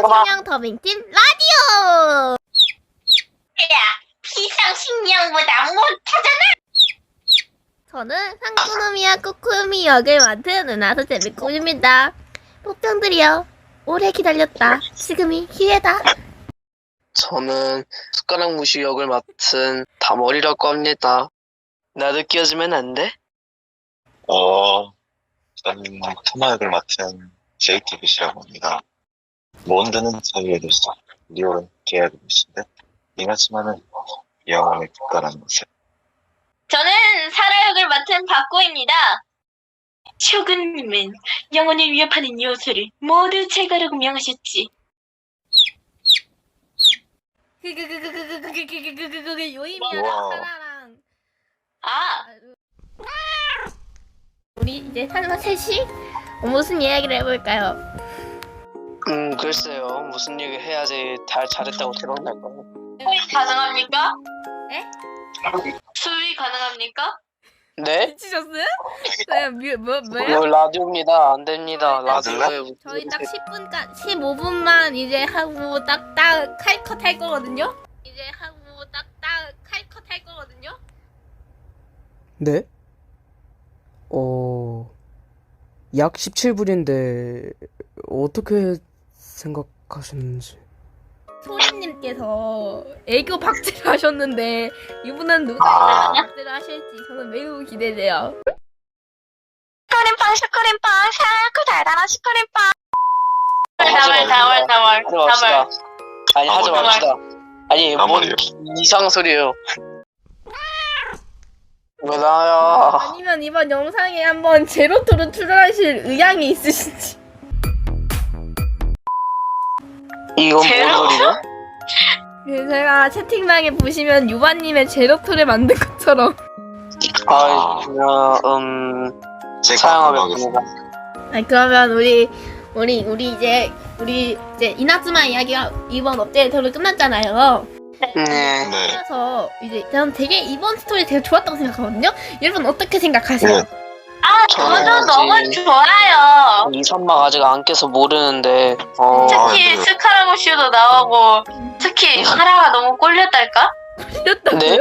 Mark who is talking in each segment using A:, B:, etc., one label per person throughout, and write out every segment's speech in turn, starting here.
A: 비상식량 더빙팀 라디오!
B: 야, 비상식량보다 못하잖아.
A: 저는 상쿠노미야 꾸쿠미 역을 맡은 은하수 재미꾼입니다. 폭병들이여, 오래 기다렸다. 지금이 기회다.
C: 저는 숟가락 무시 역을 맡은 다머리라고 합니다. 나도 끼워주면 안 돼?
D: 저는 토마역을 맡은 JTBC라고 합니다. 몬드는 자유의 도시, 리올은 계약의 도시인데 이나츠마는 영원의 국가라는 것을.
B: 저는 사라 역을 맡은 박고입니다. 쇼군님은 영혼을 위협하는 요소를 모두 제거라고 명하셨지.
A: 요임이랑
D: 우와.
A: 사라랑
B: 아,
A: 우리 이제 셋이 무슨 이야기를 해볼까요?
C: 글쎄요. 무슨 얘기 해야지 잘했다고 대박 날까요?
B: 수위 가능합니까?
A: 에?
B: 수위 가능합니까?
C: 네?
A: 미치셨어요? 네, 뭐야?
C: 이거 라디오입니다. 안 됩니다. 라디오에
A: 저희 딱 10분간 15분만 이제 하고 딱딱 칼컷 할 거거든요. 이제 하고 딱딱 칼컷 할 거거든요.
E: 네? 약 17불인데 어떻게 생각하셨는지.
A: 소리님께서 애교 박제를 하셨는데 이분은 누가 애교 박제를 하실지 저는 매우 기대돼요.
B: 슈크림빵, 샤크 달달한 슈크림빵.
C: 하지 맙시다. 아니 하지
D: 아무리
C: 맙시다. 아니 뭔
D: 아무리요.
C: 이상 소리예요. 왜 나야?
A: 아니면 이번 영상에 한번 제로토로 출연하실 의향이 있으신지.
C: 이건 뭔
B: 제로?
C: 소리죠?
A: 네, 제가 채팅방에 보시면 유바님의 제로토를 만든 것처럼.
C: 그냥
D: 제가
C: 사양하겠습니다.
A: 아니, 그러면 우리 이제 이나즈마 이야기가 이번 업데이트로 끝났잖아요.
C: 네.
D: 네.
A: 그래서 이제 저는 되게 이번 스토리 되게 좋았다고 생각하거든요. 여러분 어떻게 생각하세요?
D: 네.
B: 아,
C: 저는
B: 저도 너무
C: 아직-
B: 좋아요.
C: 이 선막 아직 안 깨서 모르는데
B: 특히
D: 네.
B: 스카라고슈도 나오고 특히 사라가 너무 꼴렸달까?
A: 틀렸다고요?
C: 네?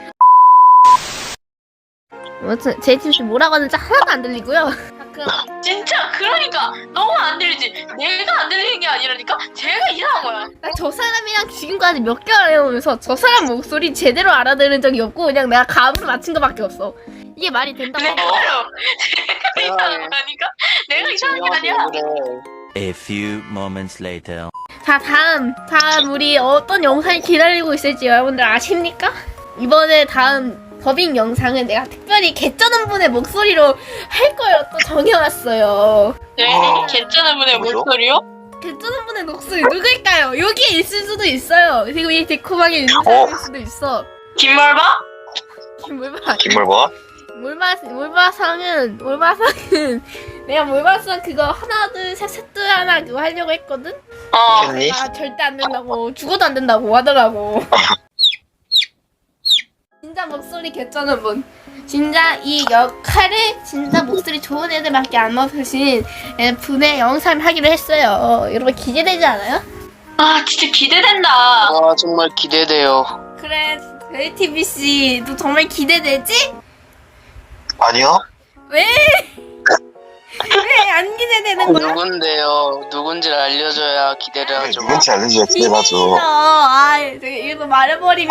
A: 아무튼 제 팀씨 뭐라고 하는지 하나도 안 들리고요. 그럼
B: 진짜 그러니까 너무 안 들리지. 내가 안 들리는 게 아니라니까 제가 이상한 거야.
A: 저 사람이랑 지금까지 몇 개월 해오면서 저 사람 목소리 제대로 알아들은 적이 없고 그냥 내가 감으로 맞춘 것밖에 없어. 이게 말이 된다고.
B: 내가요. 제가 이상한 거니까 내가 이상한 게 아니야.
F: A few moments later.
A: 자, 다음 우리 어떤 영상이 기다리고 있을지 여러분들 아십니까? 이번에 다음 더빙 영상은 내가 특별히 개쩌는 분의 목소리로 할 걸 또 정해왔어요.
B: 네, 괜찮은 분의
D: 뭐죠?
B: 목소리요?
A: 개쩌는 분의 목소리 누굴까요? 여기에 있을 수도 있어요. 그리고 이 데코방에 있는 사람일 수도 있어.
B: 김말바?
A: 몰바.
D: 김물과
A: 몰바상은 내가 몰바상 그거 하나 둘 하나 그거 하려고 했거든?
C: 겠니?
A: 아 절대 안 된다고 죽어도 안 된다고 하더라고. 진짜 목소리 개쩌는 분, 진짜 이 역할을 진짜 목소리 좋은 애들밖에 안 맡으신 분의 영상을 하기로 했어요. 여러분 기대되지 않아요?
B: 아, 진짜 기대된다.
C: 아 정말 기대돼요.
A: 그래, JTBC 너 정말 기대되지?
D: 아니요?
A: 왜 안 기대되는 거야?
C: 누군데요? 누군지를 알려줘야 기대를 하죠.
D: 누군지 알려줘야
A: 비밀이죠.
D: 기대하죠.
A: 아, 이거 말해버리면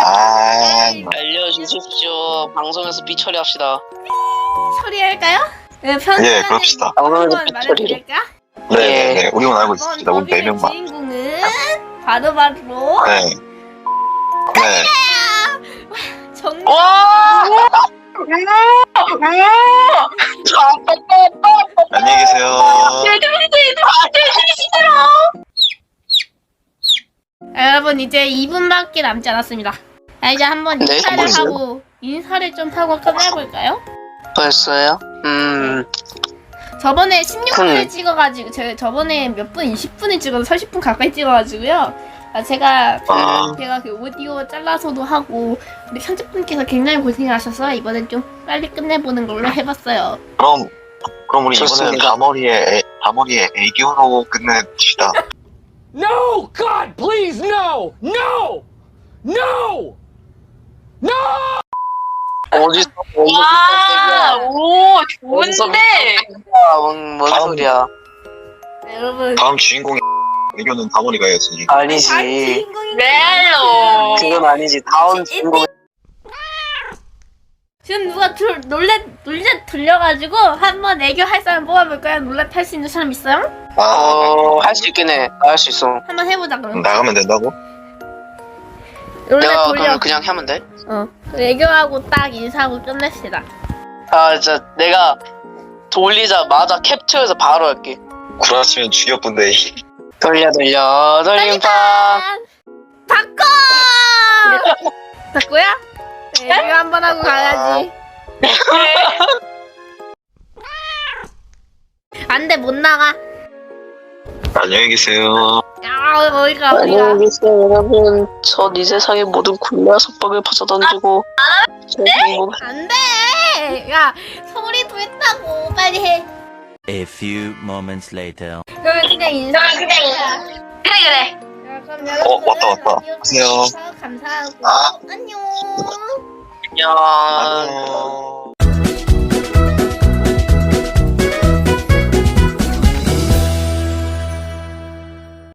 C: 알려주십시오. 방송에서 삐처리합시다.
A: 처리할까요? 네,
D: 예, 그럽시다.
C: 방송에서
A: 한번
C: 삐처리를.
A: 말해드릴까?
D: 네네네. 우리만 알고
A: 이번
D: 있습니다. 우리
A: 더빙의
D: 4명만.
A: 주인공은 바로바로
D: 네. 네.
A: 정말
D: 안녕히 계세요.
A: 여러분 이제 2분밖에 남지 않았습니다. 자, 이제 한번
C: 네,
A: 인사를
C: 벌써요?
A: 하고 좀 하고 끝내볼까요?
C: 벌써요?
A: 저번에 16분을 찍어가지고 저번에 몇 분? 20분을 찍어서 30분 가까이 찍어가지고요. 제가 그 오디오 잘라서도 하고 우리 편집분께서 굉장히 고생하셔서 이번엔 좀 빨리 끝내보는 걸로 해봤어요.
D: 그럼 우리 이번에는
C: 좋습니다.
D: 다머리의 애교로 끝냅시다.
A: NO!
G: Oh God, please, no! No! No! No!
C: 어디서
B: 와, 오,
C: 어디서
B: 좋은데.
C: 뭔 소리야?
A: 네, 여러분.
D: 다음 주인공이 이겨는 다머리가 해야지.
C: 아니지.
B: 레알로.
C: 그건 아니지. 다음 주인공.
A: 지금 누가 롤렛 돌려가지고 한번 애교 할 사람 뽑아볼까요? 롤렛 할 수 있는 사람 있어요?
C: 할 수 있긴 해. 나 할 수 있어.
A: 한번 해보자 그럼.
D: 나가면 된다고?
A: 롤렛
C: 내가
A: 돌려.
C: 그럼 그냥 하면 돼?
A: 애교하고 딱 인사하고 끝냅시다.
C: 진짜 내가 돌리자마자 캡처해서 바로 할게.
D: 구라치면 죽여본데.
C: 돌림판.
A: 바꿔! 바꾸야? 애교 한번 하고 가야지. 안 돼, 못 나가.
D: 안녕히 계세요.
A: 야, 어디가.
C: 안녕히 계세요 여러분. 전 이 세상의 모든 굴레와 속박을 벗어던지고
A: 안 돼! 야, 소리도 했다고. 빨리 해.
F: A few moments later.
A: 그러면 그냥 인사.
B: 그래.
A: 자, 그럼 여러분.
D: 왔다. 안녕하세요.
A: 감사하고. 안녕.
C: 안녕.